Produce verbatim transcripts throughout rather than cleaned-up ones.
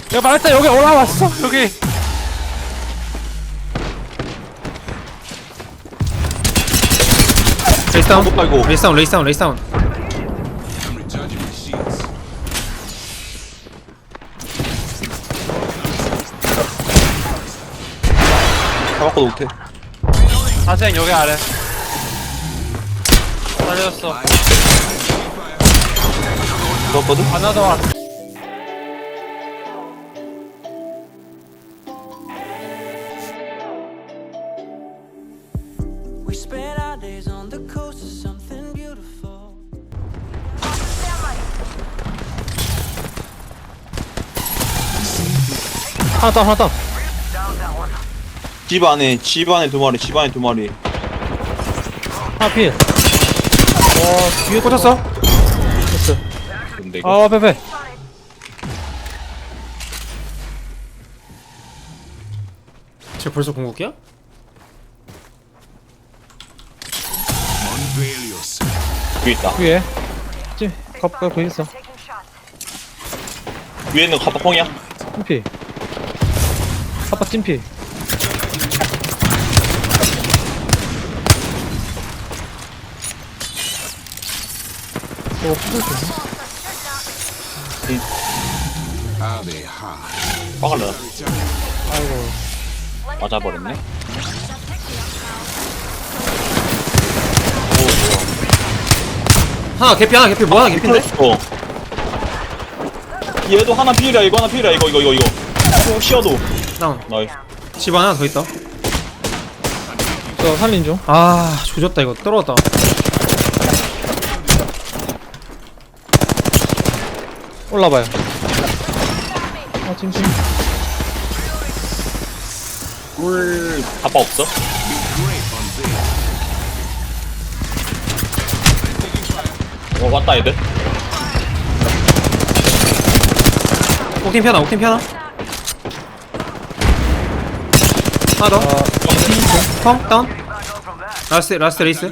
야 말했다 여기 올라왔어 여기. 레이스 다운. 못 깔고. 레이스 다운 레이스 다운 레이스 다운. 잡았고 못해. 하생 여기 아래. 살려줬어. 잡았거든? 하나 더 왔어. We spent our days on the coast of something beautiful. 하나 다운 하나 다운. 집 안에, 집 안에 두 마리, 집 안에 두 마리. 하나 필. 와 뒤에 꽂혔어. 됐어. 근데 이거. 아 빼빼. 쟤 벌써 궁극기야? 위에 있다. 위에. 찜. 갑가 거기 있어. 위에 있는 거 카파펑이야? 찜피. 아빠 찜피. 어 부술 수 있나? 박을래. 아이고. 맞아버렸네. 하나 개피 하나 개피 뭐 하나 개피인데? 어. 얘도 하나 피해라, 이거 하나 피해라, 이거, 이거, 이거, 이거. 또 쉬어도. 다운. 나이스. 집 하나 더 있다. 저 살린 중. 아 조졌다 이거 떨어졌다. 올라봐요. 아 찜찜. 꿀, 아빠 없어? 어, 왔다, 얘들. 옥팀 피하나 옥팀 피하나. 하나 더. 펑 다운. 라스트 라스트 레이스.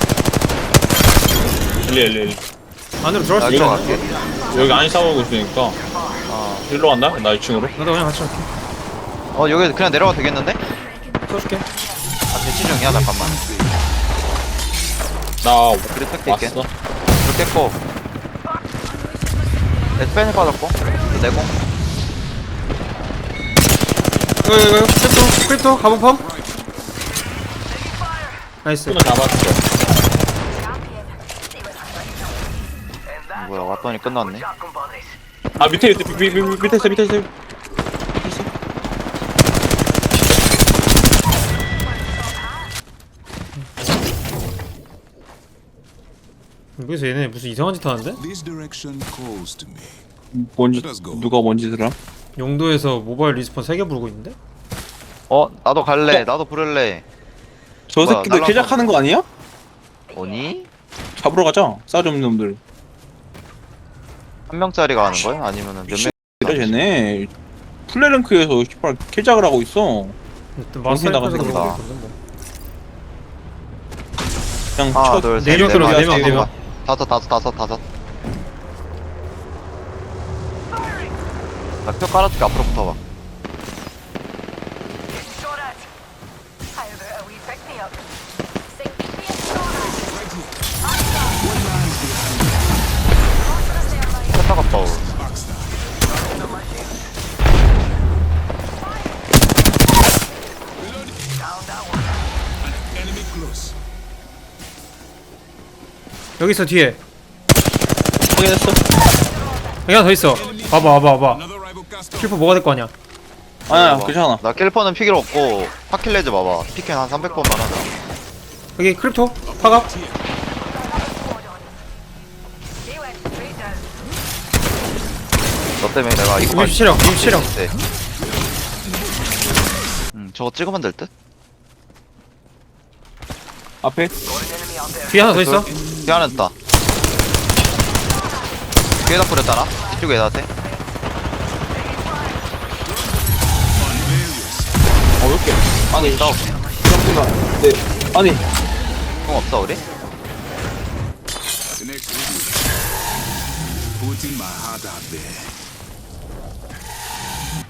일리, 일리, 일리. 안으로 들어갈 수 여기로 있잖아. 여기 안에 싸우고 있으니까. 일로 간다? 나 이 층으로. 나도 그냥 같이 갈게. 어 여기 그냥 내려가도 되겠는데? 써줄게. 아 대치 중이야 잠깐만. 나 그래 택 있게. 왔어. 불 깼고. 에스펜이 빠졌고. 내공. 이거 이거 이거 크립토 크립토 가본 펌. 나이스. 손을 잡았어. 뭐야 왔더니 끝났네. 아, 밑에, 밑에, 밑에, 밑에, 밑에 있어, 밑에 있어. 여기서 얘네 무슨 이상한 짓 하는데? This direction calls to me. 뭔지, 누가 뭔 짓을 함? 용도에서 모바일 리스폰 세 개 부르고 있는데? 어 나도 갈래. 나도 부를래. 저 뭐야, 새끼들 날라가. 개작하는 거 아니야? 오니? 잡으러 가자. 싸지 없는 놈들. 한 명짜리가 하는 거야? 아니면은 몇 명? 이래 쟤네. 플레랭크에서 씨발 개작을 하고 있어. 일단 정신 나간 마스터에서 새끼다. 모르고 있거든 뭐. 그냥 하나 첫 둘 셋. 네 명 넷, 들어가, 네 다섯, 명, 네 명. 다섯 다섯 다섯 다섯. 나표 깔아줄게. 앞으로 붙어봐. 했다가 떠. Enemy close. 여기 있어 뒤에. 확인했어? 여기 하나 더 있어. 봐봐 봐봐 봐봐. Another rival cast off. 킬프 뭐가 될 거 아니야? 아니야, 봐봐. 괜찮아. 나 킬퍼는 피길 없고 파킬레즈 봐봐. 피켄 한 삼백 번만 하자. 여기 크립토 파갑. 너 때문에 내가 이거 이십 실력 이십 실력. 네. 음 저거 찍으면 될 듯? 앞에? 뒤에 하나 더 있어. 뒤 하나 있다. 뒤에다 뿌렸잖아. 이쪽에 나한테. 어, 왜 이렇게? 아니, 싸워. 생각보다. 네. 아니, 공 없어 우리? The next review. Putting my heart out there.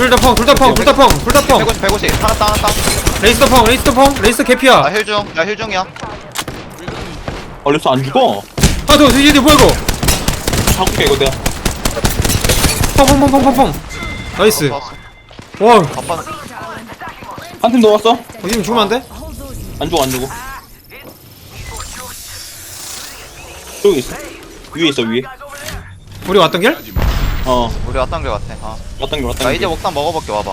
둘다 펑, 둘다 펑, 둘다 펑, 둘다 펑. 백오십 백오십 하나 따 하나 따. 레이스터 펑, 레이스터 펑, 레이스터 개피야. 나 힐중 나 힐중이야. 얼렸어 안 죽어. 하나 더, 뒤에 뭐야 이거? 잡을게 이거 내가. 펑펑펑펑펑펑. 나이스. 왔어. 와, 바빠. 한 팀 넣었어? 어디면 죽으면 안 돼? 안 죽어 안 죽어. 저기 있어. 위에 있어 위에. 우리 왔던 길? 어 우리 왔던 길 같아. 아. 왔던 게 왔던 나 게. 이제 목탄 먹어볼게 와봐.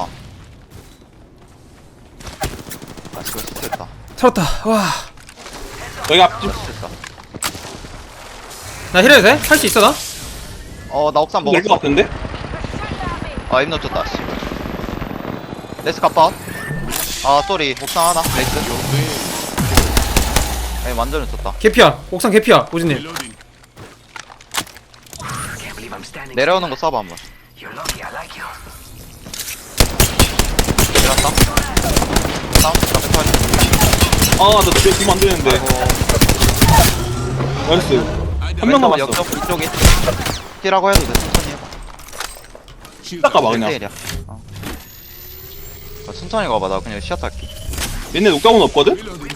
아 지금 실수했다. 살았다. 와. 여기 앞집. 실수했다. 나 힐해도 돼? 할 수 있어 나? 어나 옥상 될것 먹었어. 같은데? 아 입 놓쳤다. 씨. 레이스 갑바. 아 쏘리 옥상 하나. 레이스. 에이 완전 놓쳤다. 개피야. 옥상 개피야. 오진님. Reloading. 내려오는 거 쏴봐 한번. 내려왔다. 다운. 나 백팔. 아나 뒤에 뒤면 안 되는데. 나이스. 한 명 남았어. 옆쪽 이쪽에. 뛰라고 해도 돼. 천천히 해봐. Shield. 닦아봐 그냥. 일 대 일이야. 어. 어, 천천히 가봐. 나 그냥 시야 탈게. 얘네 녹감은 없거든? Reloading.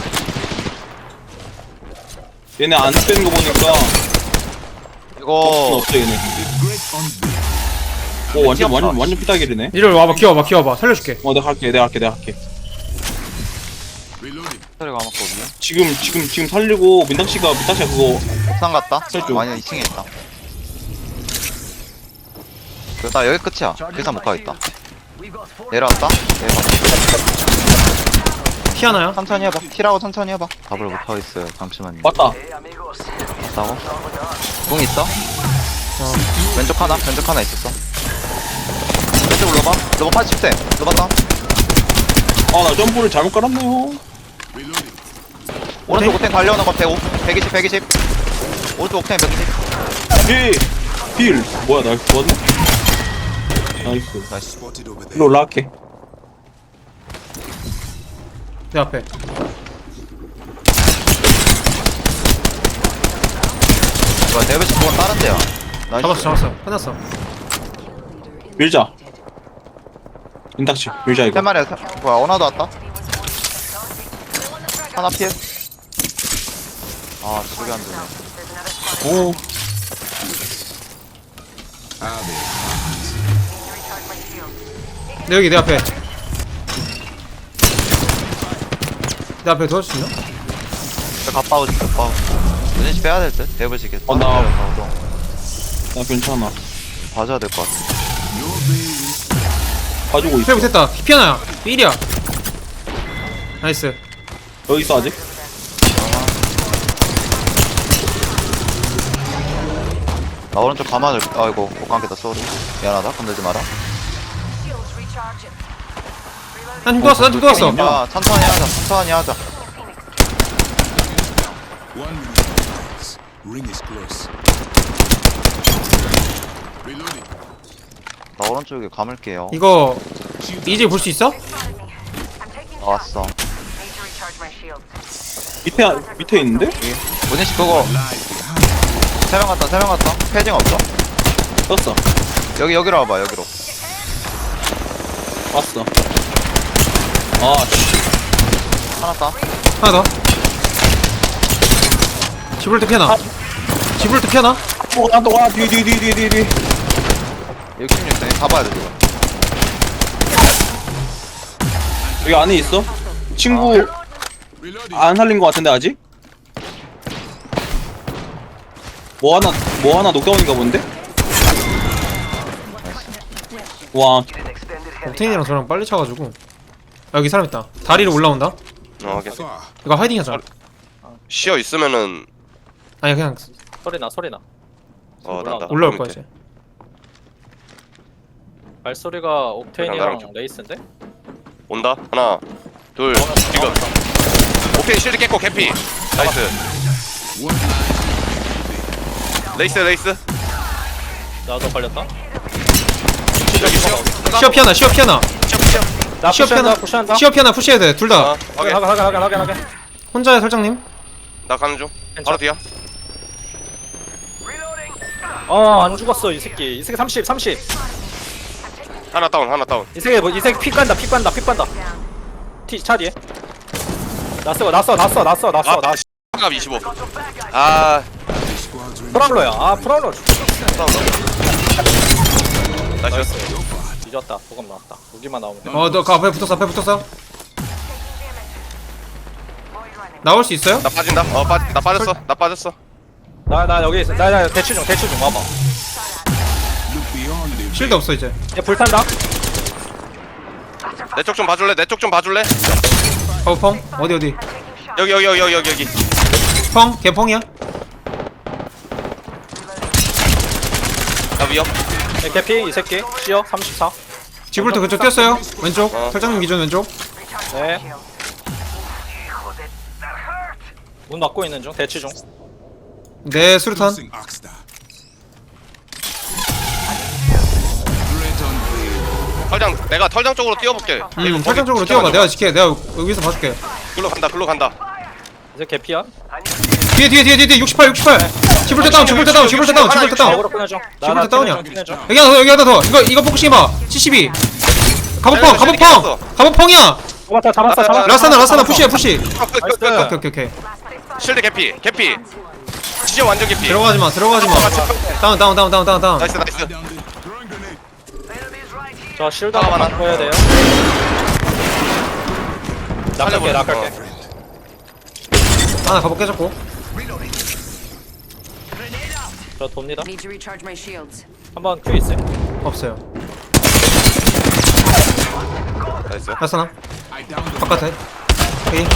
얘네 안 빼는 거 보니까 이거 없어 얘네. Great on B. 오 완전 완전 완전 피다길이네. 이리 와봐. 기어봐. 기어봐. 살려줄게. 어 내가 갈게 내가 갈게 내가 갈게. Reloading. 소리가 맞거든요. 지금 지금 지금 살리고 민당 씨가 민당 씨가 그거 옥상 갔다. 설정. 아니 이 층에 있다. 그나 여기 끝이야. 계산 못 가겠다. 내려왔다. 내려. 티 하나야? 천천히 해봐. 티라고 천천히 해봐. 답을 못 하겠어요. 잠시만요. 맞다. 있다고? 궁 있어? 어. 왼쪽 하나, 왼쪽 하나 있었어. 왼쪽 로바, 로바 팔십 세, 로바 다운. 아나 점프를 잘못 깔았네요. Reloading. 오른쪽 옥텐 달려오는 거 백오, 백이십, 백이십. 오른쪽 옥텐 백이십. 필! 필! 뭐야 나 좋았네? 나이스. 나이스. Spotted over there. 일로 올라갈게. 내 앞에. 뭐야, 데뷔식 그건 다른 데야. 나이스. 잡았어. 잡았어. 끝났어. 밀자. 민당 씨 밀자 세 이거. 마리야, 세, 뭐야, 어나도 왔다. 하나 피해. 아, 저기 안 되네. 오. Ah, there. 내 여기 내 앞에. 내 앞에 도와줄 수 있나? 저 가빠우 좀 가빠우. 은진씨 빼야 될 듯? 데뷔식에. 어, 나- 나. 나 괜찮아. 봐줘야 될 것 같아. Your bay is 가지고 있어. 힐 못했다. 피아나야. 삘이야. 나이스. 여기 있어 아직? 나 오른쪽 가만을, 아이고, 못 감겠다, 쏘리. 미안하다, 건들지 마라. 난힘 도왔어. 난힘 도왔어. 아, 천천히 하자, 천천히 하자. one minute. Ring is close. Reloading. 나 오른쪽에 감을게요. 이거 이제 볼 수 있어? 나왔어. 밑에 밑에 있는데? 문희씨 그거 세 명 갔다, 세 명 갔다. 패징 없어? 떴어. 여기, 여기로 와봐, 여기로. 왔어. 아 씨. 하나 따. 하나 더. 집을 때 피아나. 집을 때 피아나. 또 와, 또 와. 뒤에 뒤에 뒤에 뒤에 뒤에. 육십육 세 가봐야 돼, 지금. 여기 안에 있어? 친구 Reloading. 안 살린 거 같은데 아직? 뭐 하나 뭐 하나 녹다운인가 본데? 와 옥테인이랑 저랑 빨리 차가지고. 아, 여기 사람 있다. 다리로 올라온다. 어, 오케이. Far. 이거 하이딩 하자. 쉬어 있으면은 아니 그냥 소리나 소리나 어 난다. 올라올 거야 이제. 발소리가 나랑 옥테인이랑 좀. 레이스인데? 온다. 하나, 둘, 지금. 오케이 실드 깼고 개피. 나이스. One line. 레이스 레이스. 나도 걸렸다? 여기 쉬어. 시어 피아나. 시어 피아나. 쉬어 쉬어. 나 시어 피아나. 푸시한다 푸시한다 시어 피아나 푸시해야 돼. 둘 다. 어, 오케이. 하게 하게 하게 하게 하게 혼자야 설정님. 나 가는 중. 바로 뒤야. 어안 죽었어 이 새끼 이 새끼 삼십 삼십 하나 다운 하나 다운. 이 새끼 뭐이 새끼 피 깐다 피 깐다 피 깐다. 티 차 뒤에. 났어 났어 났어 났어 났어 아 나. 갑 이십오. 아 Squads remain. 프라울러야. 아 프라울러. 다운. 나이스. 뒤졌다. 보급 나왔다. 무기만 나오면 돼. 어너 그 앞에 붙었어 앞에 붙었어. 나올 수 있어요? 나 빠진다. 어 빠, 나 빠졌어. 나 빠졌어. 나 나 여기 있어. 나나 대치 중 대치 중 와봐. Look beyond the 실드 없어 이제. 얘 불탄다. 내 쪽 좀 봐줄래? 내 쪽 좀 봐줄래? 어 펑? 어디 어디? 여기 여기 여기 여기 여기 여기. 펑? 걔 펑이야? 나 위협. 얘 개피 이 새끼. 시어 삼십사. 지불도 그쪽 뛰었어요. 왼쪽. 어. 설정님 기준 왼쪽. 네. 문 막고 있는 중. 대치 중. 네 수류탄. Losing Oxstar. Threat unveiled. 털장 내가 털장 쪽으로 뛰어볼게. 음 설정 쪽으로 뛰어봐. 내가 지켜. 내가 여기서 봐줄게. 글로 간다. 글로 간다. 이제 개피야. 뒤에 뒤에 뒤에 뒤에 육십팔 육십팔. 지불대 다운 지불대 다운 지불대 다운 지불대 다운. 어그로 끊어줘. 지불대 다운이야. 끊어줘. 여기 하나 더 여기 하나 더. 이거 이거 포커싱 해봐. 칠십이. 갑옷펑 갑옷펑 갑옷펑이야. 잡았다 잡았어 잡았어. 라사나 라사나 푸시해 푸시. 끝끝끝 오케이 오케이 오케이. 실드 개피. 개피. 진짜 완전 개피. 들어가지 마 들어가지 마. 다운 다운 다운 다운 다운 다운. 나이스 나이스. Down there. Throwing grenade. 저 실드 아, 하나 많아. 바꿔야 돼요. 낙할게 낙할게. 하나 갑옷 깨졌고. 저 돕니다. Need to recharge my shields. 한번 큐 있어요. 없어요. 나이스. 라사나 I downed the 바깥에. 오케이.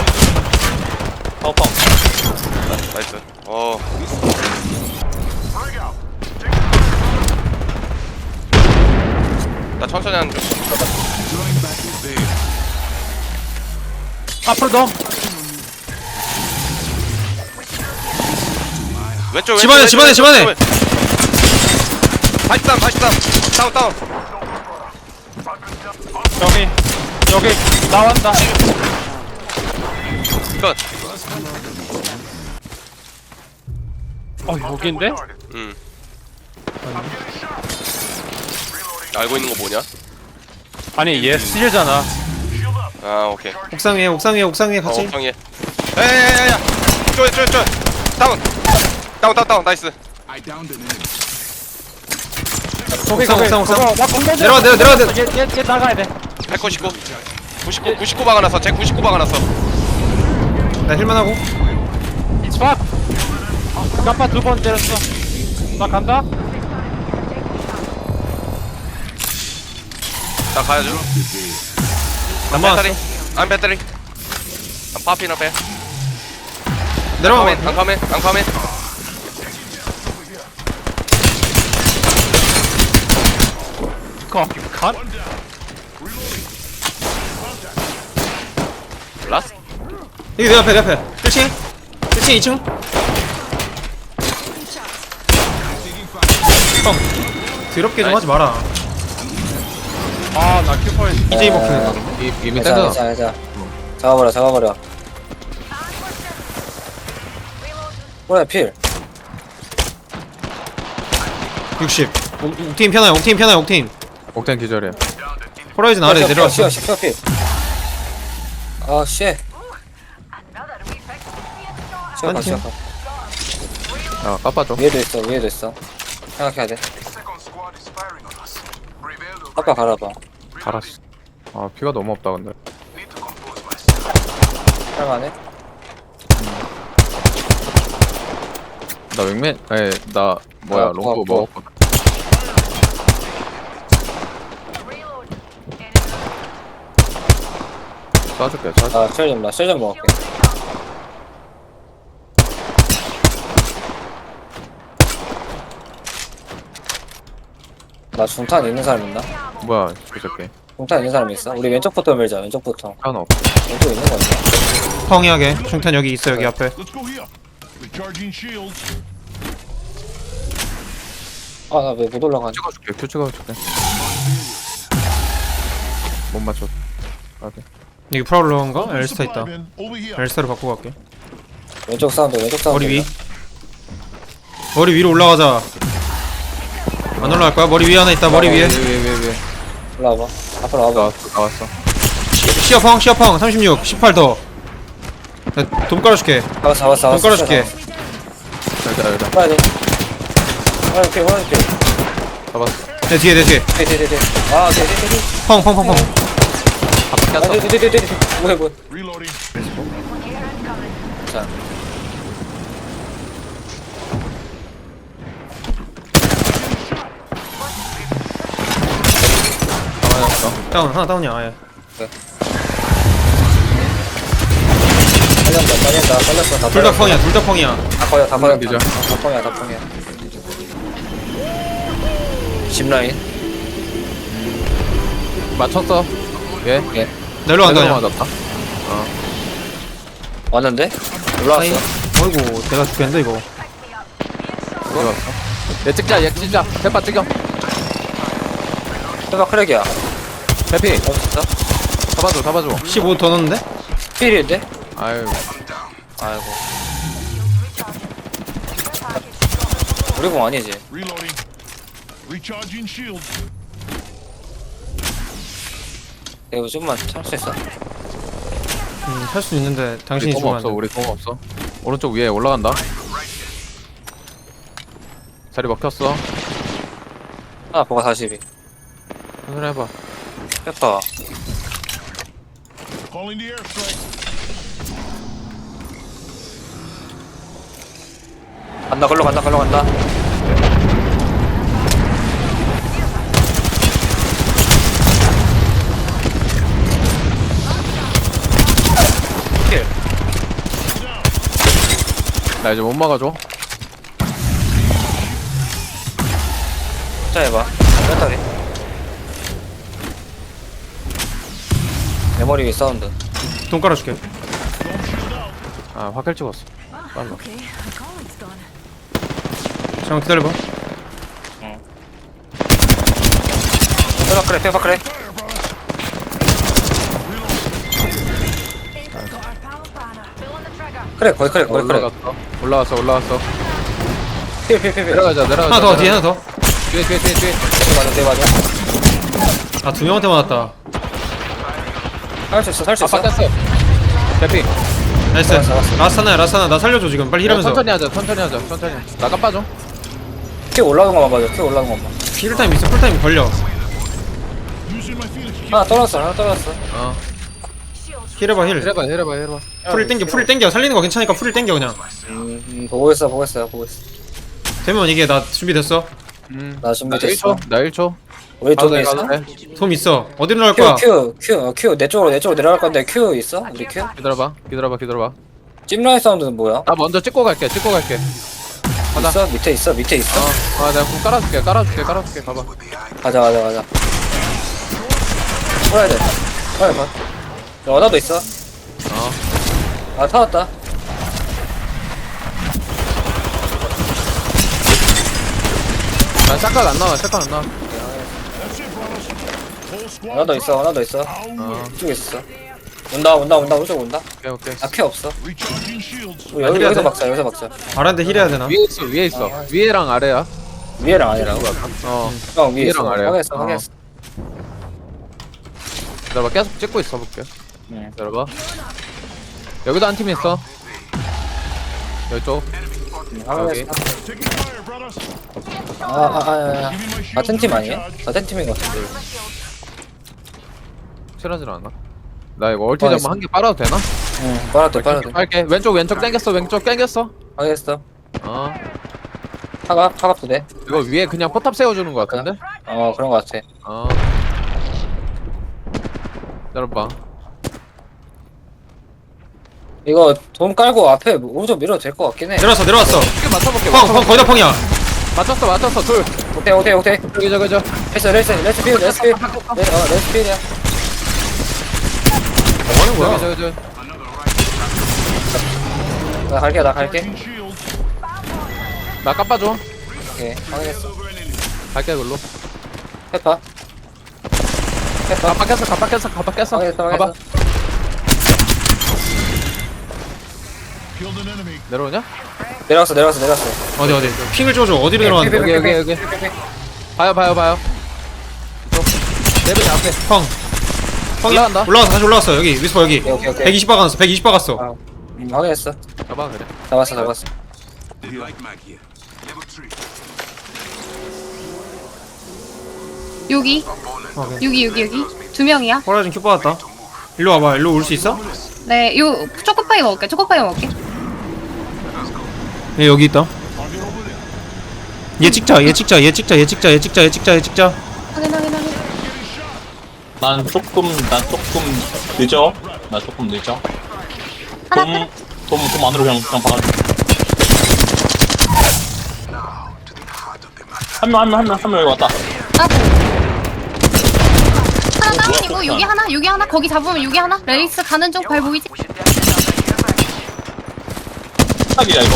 파워펑. 나이스. 어. 나 천천히 하는 중. drawing back the veil. 앞으로 더. 왼쪽 집안에, 왼쪽, 집안에, 왼쪽, 집안에. 왼쪽. 팔십삼 팔십삼. 다운 다운. 여기 여기 나왔다. 끝. 어 여기인데? 음. 알고 있는 거 뭐냐? 아니 얘 스릴잖아. 아 오케이. 옥상 위에 옥상 위에 옥상 위에 어 같이. 옥상에. 야야야야. 쪼쪼쪼. 다운. 다운 다운 다운. 나이스. I downed an enemy. 거기 옥상, 옥상, 옥상. 나 공격. 내려와, 내려, 내려와, 내려. 얘얘 얘 나가야 돼. 백구십구. 구십구 구십구 박아놨어. 제 구십구 박아놨어. 나 힐만 하고. 스팟. 깜빡 두 번 때렸어. 나 간다. 나 가야죠. The veil. 남아. 배터리. 안 배터리. I'm popping up here. 내려와. I'm coming. I'm coming. 커피 컷. 라스. 여기 내 앞에 내 앞에. 일 층. 일 층 이 층. 형. 더럽게 좀 하지 마라. 아나 큐퍼에. 이제이 먹히네. 이미 떼서 자자 잡아버려 잡아버려. 뭐야 필. 육십. 옥- 옥테인 편하요. 옥테인 편하요. 옥테인. 옥텐 기절이야. 호라이즌 아래 내려왔어. 쉬어 쉬어 필. 아 쉣. 쉬어가 한 팀. 쉬어가. 아 까빠줘. 위에도 있어 위에도 있어. 생각해야 돼. 아까 갈아봐. 갈았어. 아 피가 너무 없다 근데. 할만해? 나 윙맨. 에이 나 뭐야 어, 롱보 어, 어. 먹었거든. 쏴줄게 쏴줄게. 아실좀나실좀 먹을게. 나 중탄 있는 사람 있나? 뭐야 그 새끼. 중탄 있는 사람 있어? 우리 왼쪽부터 밀자 왼쪽부터. 하나 없. 왼쪽 있는 거 없나? 펑이하게. 중탄 여기 있어 여기 앞에. 아 나 왜 못 올라가지? 찍어줄게. 큐 찍어줄게. 못 맞췄. 아 돼. 여기 프라울러인가? 엘스타 있다. 엘스타로 바꾸고 갈게. 왼쪽 사운드 왼쪽 사운드. 머리 위. 머리 위로 올라가자. 안 올라갈 거야? 머리 위에 하나 있다. 머리 위에. 위에 위에 위에. 일로 와봐. 앞으로 와봐. 나왔어 나왔어. 시어펑 시어펑 삼십육 십팔 더. 나 돈 깔아줄게. 잡았어, 잡았어, 돈 잡았어. 깔아줄게. 여기다 여기다. 빨리 돼. 빨리 돼, 빨리 돼. 잡았어. 내 뒤에 내 뒤에. 돼, 돼, 돼, 돼. 아, 돼, 돼, 돼, 돼. 펑펑펑펑. 아, 돼, 돼, 돼, 돼, 돼, 돼. 뭐해, 뭐해. Reloading. 자. 잡아놨어. 다운 하나 다운이야. 아예. 빨렸다, 빨렸다, 빨렸어. 다 둘 다 빨렸어. 펑이야. 둘 다 펑이야. 다 퍼야, 다 퍼야. 기절. 다 펑이야, 다 펑이야. 짚라인. 맞췄어. 예. 예. 내려 간다. 그냥. 맞았다. 왔는데? 올라왔어. 어이구 내가 죽겠는데 이거. 들어갔어. 얘 찍자 얘 찍자. 페파 찍어. 해봐, 크랙이야. 페피. 어, 진짜? 잡아줘 잡아줘. 십오 더 넣었는데? 필인데? 아유. 아이고. 우리 공 아니지? Reloading. Recharging shields. 이거 좀만 참을 수 있어. 음, 할 수 있는데 우리 당신이 공 죽으면 없어 안 돼. 우리 공 없어. 오른쪽 위에 올라간다. 자리 먹혔어. 하나 보가 사십이. 천천히 해봐. 페퍼. Calling the airstrike. 간다, 걸로 간다, 걸로 간다. 킬. 나 이제 못 막아줘. 자, 해봐. 뺐다리. 내 머리 위 사운드. 돈 깔아줄게. 아 화킬 찍었어. 빨라. 잠깐 기다려봐. 페퍼 크래, 페퍼 크래. 그래, 거의 그래, 거의 그래. 올라갔어. 올라왔어 올라왔어. 필, 필, 필, 필. 내려가자 내려가자. 하나 더 뒤에 하나 더. 뒤에 뒤에 뒤에 뒤에. 네, 맞아, 네, 맞아. 아 두 명한테 맞았다. 살 수 있어, 살 수 아 있어. 바뀌었어. 대피. 나이스. 잡았어, 잡았어. 라스타나야 라스타나 나 살려줘 지금 빨리 힐하면서. 천천히 하자 천천히 하자 천천히. 나 깜빠져. 키 올라오는 것만 봐줘, 키 올라오는 것만. 힐타임 있어. 풀타임 걸려. Using my Phoenix. 하나 떨어졌어, 하나 떨어졌어. 어. 힐해봐 힐. 해봐 해봐 해봐. 풀을 땡겨 풀을 땡겨. 살리는 거 괜찮으니까 풀을 땡겨 그냥. 음, 음, 보고 있어, 보고 있어, 보고 있어. 되면 이게 나 준비됐어. 음. 나 나 준비됐어. 일 초. 나 일 초. 우리 가도 쪽에 돼 있어? 가도 돼. 솜 있어. 어디로 나갈 큐, 거야? 큐, 큐, 어, 큐. 내 쪽으로, 내 쪽으로 내려갈 건데 큐 있어? 우리 큐? 기다려봐 기다려봐 기다려봐. 찜라인 사운드는 뭐야? 나 먼저 찍고 갈게 찍고 갈게. 가자. 있어? 밑에 있어? 밑에 있어? 어. 아 내가 공 깔아줄게 깔아줄게 깔아줄게 가봐. 가자, 가자, 가자. 풀어야 돼. 빨리 가. 야, 원화도 있어. 어. 아, 타왔다. 난 샷각 안 나와 샷각 안 나와. That's it, brothers. Whole squad. 원화도 있어, 원화도 있어. 어. 이쪽에 있어. 온다, 온다, 온다, 오쪽 온다. 오케이 오케이. 아, 큐 없어. Recharging shields. 우리 여기, 그래야 여기서 돼? 막자, 여기서 막자. 아란데 힐해야 되나? 위에 있어 위에 있어. 위에랑 아래야. 위에랑 아니라고? 어. 형, 위에 있어. 위에랑 아래야. 확인했어, 어. 확인했어. 기다려봐 계속 찍고 있어 볼게. 응. 기다려봐. 여기도 한 팀 있어. 여쪽. 응, 확인했어. Taking fire, brothers. 아, 아, 아, 아, 아. Giving my shield 같은 팀 a 아니에요? recharge. 같은 팀인 것 같은데. 칠하질 않아. 나 이거 얼티 어, 잠만 있어. 한 개 빨아도 되나? 응, 빨아도 돼, 빨아도 돼. 빨게. 왼쪽 왼쪽 땡겼어 왼쪽 땡겼어. 확인했어. 어. 타갑, 타갑도 돼. 이거 위에 그냥 포탑 세워주는 거 같은데? 어, 그런 것 같아. 어. 기다려봐. 이거 돈 깔고 앞에 오른쪽 밀어도 될 것 같긴 해. 내려왔어 내려왔어. 이게 맞춰볼게. 펑 펑 거의 다 펑이야. 맞췄어 맞췄어 둘. 오케이, 오케이, 오케이. 저기 저기 저. 레스, 레스, 레스 필, 레스 필. 레, 어, 레스 필이야. 뭐 하는 거야? 저기 저기 저기. 나 갈게, 나 갈게. Recharging shields. 나 깜빠줘. 오케이, 확인했어. 갈게 글로. 페파. 페파. 가빠 깼어 가빠 깼어 가빠 깼어. 확인했어, 가봐. 확인했어. Killed an enemy. 내려오냐? 내려왔어, 내려왔어, 내려왔어. 어디 어디. 핑을 줘줘. 어디로 내려왔는데? 여기 여기 여기. 봐요 봐요 봐요. 레벨 앞에. 펑. 펑이 올라간다. 올라왔어. 다시 올라왔어. 여기 위스퍼 여기. 오케이, 오케이, 오케이. 백이십 박았어. 백이십 박았어. 아, 음, 확인했어. 잡아 그래. 잡았어, 잡았어. 여기 오케이. 여기 여기 여기 두 명이야. 호라이즌 큐 받았다. 일로 와봐. 일로 올 수 있어? 네, 요 초코파이 먹을게. 초코파이 먹을게. 얘 여기 있다. 얘 찍자. 얘 찍자. 얘 찍자. 얘 찍자. 얘 찍자. 얘 찍자. 얘 찍자. 확인 확인 확인. 난 조금 난 조금 늦어. 나 조금 늦어. 하나 돔, 돔, 돔 안으로 그냥 그냥 박아. 한 명, 한 명, 한 명, 한 명 여기 왔다. 따고. 하나 뭐야, 다운이고 폭탄. 여기 하나 여기 하나 거기 잡으면 여기 하나. 레이스 가는 중 발 보이지? 피딱이야 이거.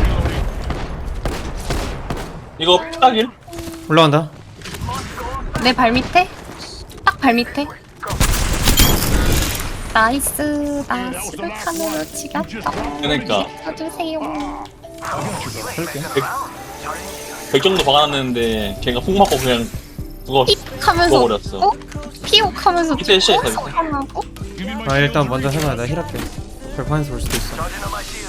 이거 피딱일? 올라간다. 내 발 밑에. 딱 발 밑에. 나이스. 나 수류탄으로 지겼다. 그러니까 쳐주세요. 백 정도 박아놨는데 걔가 훅 맞고 그냥 그거 하면서 죽어버렸어. 어? 피옥하면서 밑에 시에 있어, 밑에. 하고 아 일단 먼저 해봐. 나 힐할게. 발판에서 올 수도 있어.